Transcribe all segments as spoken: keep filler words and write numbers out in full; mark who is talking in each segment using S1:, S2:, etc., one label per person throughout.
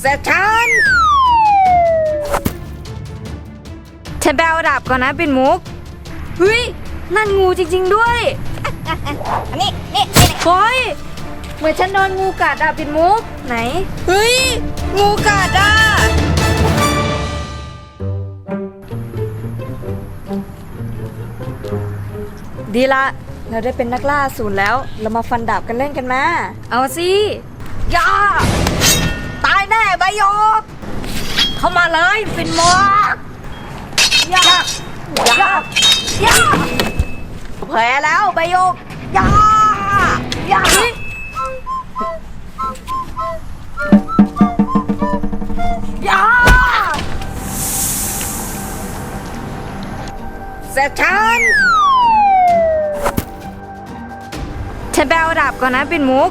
S1: เสร็จฉันฉันไปเอาดาบก่อนนะปิ่นมุกเฮ้ยนั่นงูจริงๆด้วยอันนี้นี่โอ้ยเหมือนฉันโดนงูกัดอะปิ่นมุกไหนเฮ้ยงูกัดอะดีละเราได้เป็นนักล่าศูนย์แล้วเรามาฟันดาบกันเล่นกันมาเอาสิย่าตายแน่ใบโยกเข้ามาเลยปิ่นมุกย่าย่าย่าแผลแล้วใบโยกย่าย่าย่าเสร็จฉันฉันไปเอาดาบก่อนนะปิ่นมุก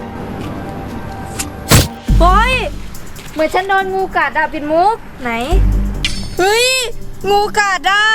S1: โอ้ยเหมือนฉันโดนงูกัดอะปิ่นมุกไหนเฮ้ยงูกัดอะ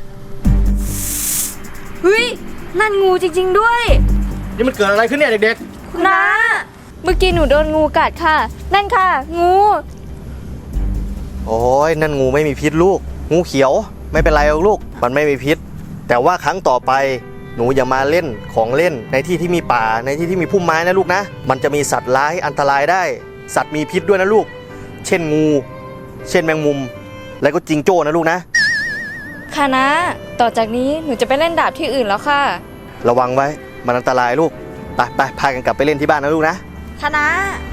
S1: เฮ้ยนั่นงูจริงๆด้วย
S2: นี่มันเกิดอะไรขึ้นเนี่ยเด็ก
S1: คุณน้าเมื่อกี้หนูโดนงูกัดค่ะนั่นค่ะงู
S2: ๆโอ้ยนั่นงูไม่มีพิษลูกงูเขียวไม่เป็นไรหรอกลูกมันไม่มีพิษแต่ว่าครั้งต่อไปหนูอย่ามาเล่นของเล่นในที่ที่มีป่าในที่ที่มีพุ่มไม้นะลูกนะมันจะมีสัตว์ร้ายอันตรายได้สัตว์มีพิษด้วยนะลูกเช่นงูเช่นแมงมุมแล้วก็จิงโจ้นะลูกนะ
S1: ค่ะนะต่อจากนี้หนูจะไปเล่นดาบที่อื่นแล้วค่ะ
S2: ระวังไว้มันอันตรายลูกไปไปพากันกลับไปเล่นที่บ้านนะลูกนะ
S1: ค่ะนะ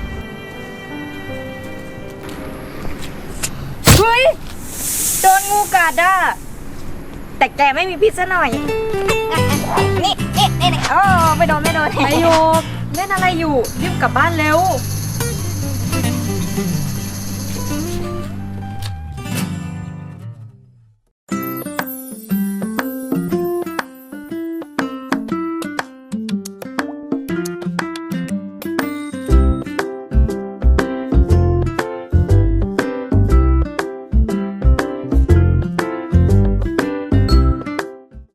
S1: เฮ้ยโดนงูกัดอ่ะแต่แกไม่มีพิษซะหน่อยนี่นี่นี่นี่โอ้ไม่โดนไม่โดนไอโยกเล่นอะไรอยู่รีบกลับบ้านเร็ว